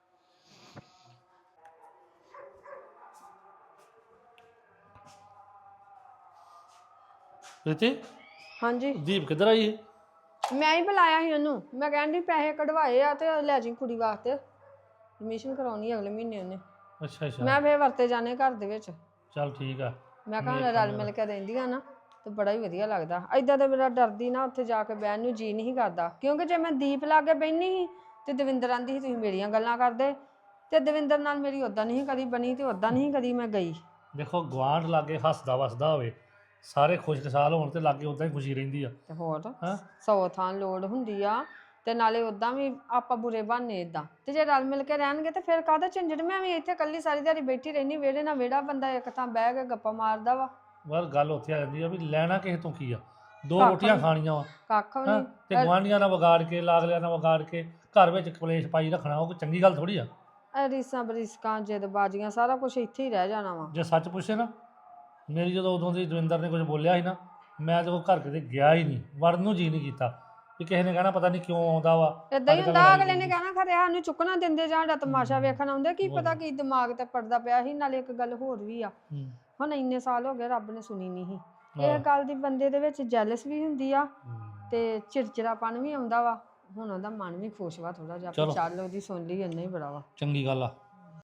Speaker 6: ਪ੍ਰੀਤੀ,
Speaker 5: ਹਾਂਜੀ
Speaker 6: ਦੀਪ ਕਿੱਧਰ ਆਈ ਹੈ?
Speaker 5: ਮੈਂ ਹੀ ਬੁਲਾਇਆ ਸੀ ਉਹਨੂੰ, ਮੈਂ ਕਹਿੰਦੀ ਪੈਸੇ ਕਢਵਾਏ ਆ ਤੇ ਲੈ ਜੀ ਕੁੜੀ ਵਾਸਤੇ, ਐਡਮਿਸ਼ਨ ਕਰਾਉਣੀ ਅਗਲੇ ਮਹੀਨੇ ਉਹਨੇ।
Speaker 6: ਅੱਛਾ ਅੱਛਾ,
Speaker 5: ਮੈਂ ਫੇਰ ਵਰਤੇ ਜਾਣੇ ਘਰ ਦੇ ਵਿੱਚ,
Speaker 6: ਚੱਲ ਠੀਕ ਆ।
Speaker 5: ਮੈਂ ਕਿਹਾ ਹੁਣ
Speaker 6: ਵੇਖ
Speaker 5: ਰਲ
Speaker 6: ਲਿਆ।
Speaker 5: ਮਿਲ ਕੇ ਰਹਿੰਦੀਆਂ ਨਾ ਤੇ ਬੜਾ ਹੀ ਵਧੀਆ ਲੱਗਦਾ। ਏਦਾਂ ਤੇ ਮੇਰਾ ਡਰਦੀ ਨਾ ਉੱਥੇ ਜਾ ਕੇ ਬਹਿਣ ਨੂੰ ਜੀ ਨਹੀਂ ਕਰਦਾ, ਕਿਉਂਕਿ ਜੇ ਮੈਂ ਦੀਪ ਲਾ ਕੇ ਬਹਿਨੀ ਸੀ ਤੇ ਦਵਿੰਦਰ ਆਂਦੀ ਸੀ ਤੁਸੀਂ ਮੇਰੀਆਂ ਗੱਲਾਂ ਕਰਦੇ, ਤੇ ਦਵਿੰਦਰ ਨਾਲ ਮੇਰੀ ਉਦਾਂ ਨਹੀਂ ਕਦੀ ਬਣੀ ਤੇ ਉਦਾਂ ਨਹੀਂ ਕਦੀ ਮੈਂ ਗਈ।
Speaker 6: ਦੇਖੋ ਗਵਾਂਢ ਲਾਗੇ ਹੱਸਦਾ ਵਸਦਾ ਹੋਵੇ, ਸਾਰੇ ਖੁਸ਼ਖੁਸ਼ਾਲ ਹੋਣ ਤੇ ਲਾਗੇ ਉਦਾਂ ਹੀ ਖੁਸ਼ੀ ਰਹਿੰਦੀ ਆ।
Speaker 5: ਤੇ ਹੋਰ
Speaker 6: ਹਾਂ
Speaker 5: 100 ਥਾਂ ਲੋੜ ਹੁੰਦੀ ਆ, ਤੇ ਨਾਲੇ ਉਦਾਂ ਵੀ ਆਪਾਂ ਬੁਰੇ ਬਹਾਨੇ ਇਦਾਂ, ਤੇ ਜੇ ਰਲ ਮਿਲ ਕੇ ਰਹਿਣਗੇ ਤੇ ਫਿਰ ਕਾਹਦਾ ਝੰਜਟ। ਮੈਂ ਵੀ ਇੱਥੇ ਇਕੱਲੀ ਸਾਰੀ ਦਿਹਾੜੀ ਬੈਠੀ ਰਹਿਣੀ ਵਿਹੜੇ ਨਾਲ ਵਿਹੜਾ, ਬੰਦਾ ਇੱਕ ਥਾਂ ਬਹਿ ਕੇ ਗੱਪਾਂ ਮਾਰਦਾ ਵਾ,
Speaker 6: ਪਰ ਗੱਲ ਉੱਥੇ ਆ ਜਾਂਦੀ ਆ ਵੀ ਲੈਣਾ ਕਿਸੇ ਤੋਂ ਕੀ ਆ, ਦੋ
Speaker 5: ਕੱਖ
Speaker 6: ਰੋਟੀਆਂ
Speaker 5: ਨੀ।
Speaker 6: ਖਾਣੀਆਂ ਵਾ।
Speaker 5: ਕੱਖ ਵੀ
Speaker 6: ਹਾਂ
Speaker 5: ਨਹੀਂ।
Speaker 6: ਤੇ ਗੁਆਂਢੀਆਂ ਨਾਲ ਵਿਗਾੜ ਕੇ, ਲਾਗਲਿਆਂ ਨਾਲ ਵਿਗਾੜ ਕੇ ਘਰ ਵਿੱਚ ਕਲੇਸ਼ ਪਾਈ ਰੱਖਣਾ, ਉਹ ਕੋਈ ਚੰਗੀ ਗੱਲ ਥੋੜੀ ਆ।
Speaker 5: ਰੀਸਾਂ ਬਰੀਸਕਾਂ ਜਿੱਦਬਾਜ਼ੀਆਂ ਸਾਰਾ ਕੁਝ ਇੱਥੇ ਹੀ ਰਹਿ ਜਾਣਾ ਵਾ।
Speaker 6: ਜੇ ਸੱਚ ਪੁੱਛੇ ਨਾ, ਮੇਰੀ ਜਦੋਂ ਉਦੋਂ ਦੀ ਦਵਿੰਦਰ ਨੇ ਕੁਝ ਬੋਲਿਆ ਸੀ ਨਾ, ਮੈਂ ਤੇ ਉਹ ਘਰ ਕਿਤੇ ਗਿਆ ਹੀ ਨਹੀਂ, ਵੜਨ ਨੂੰ ਜੀ ਨਹੀਂ ਕੀਤਾ ਵੀ ਕਿਸੇ ਨੇ ਕਹਿਣਾ ਪਤਾ ਨਹੀਂ ਕਿਉਂ ਆਉਂਦਾ ਵਾ।
Speaker 5: ਏਦਾਂ ਹੀ
Speaker 6: ਅੱਜ ਕੱਲ੍ਹ
Speaker 5: ਹੁੰਦਾ,
Speaker 6: ਲੜਾਈ
Speaker 5: ਅਗਲੇ ਨੇ
Speaker 6: ਹੋਊਗੀ।
Speaker 5: ਕਹਿਣਾ ਖਰੇ ਸਾਨੂੰ ਚੁੱਕਣਾ ਦਿੰਦੇ ਜਾਂ ਸਾਡਾ ਤਮਾਸ਼ਾ ਵੇਖਣ ਆਉਂਦੇ, ਕੀ
Speaker 6: ਹੋਰ।
Speaker 5: ਪਤਾ ਕੀ ਦਿਮਾਗ ਤੇ ਪੜਦਾ ਪਿਆ ਸੀ। ਨਾਲੇ ਇੱਕ ਗੱਲ ਹੋਰ ਵੀ ਆ,
Speaker 6: ਹੂੰ।
Speaker 5: ਹੁਣ ਇੰਨੇ ਸਾਲ ਹੋ ਗਏ ਰੱਬ ਨੇ ਸੁਣੀ ਨਹੀਂ ਸੀ।
Speaker 6: ਹਾਂ।
Speaker 5: ਇਹ ਗੱਲ ਦੀ ਬੰਦੇ ਦੇ ਵਿੱਚ ਜੈਲਸ ਵੀ ਹੁੰਦੀ ਆ
Speaker 6: ਹੂੰ।
Speaker 5: ਤੇ ਚਿੜਚਿੜਾਪਨ ਵੀ ਆਉਂਦਾ ਵਾ। ਹੁਣ ਉਹਦਾ ਮਨ ਵੀ ਖੁਸ਼ ਵਾ ਥੋੜਾ ਜਿਹਾ, ਵੀ
Speaker 6: ਚਲੋ।
Speaker 5: ਚੱਲ ਉਹਦੀ ਸੁਣ ਲਈ ਇੰਨਾ ਹੀ ਬੜਾ ਵਾ।
Speaker 6: ਚੰਗੀ ਗੱਲ ਆ।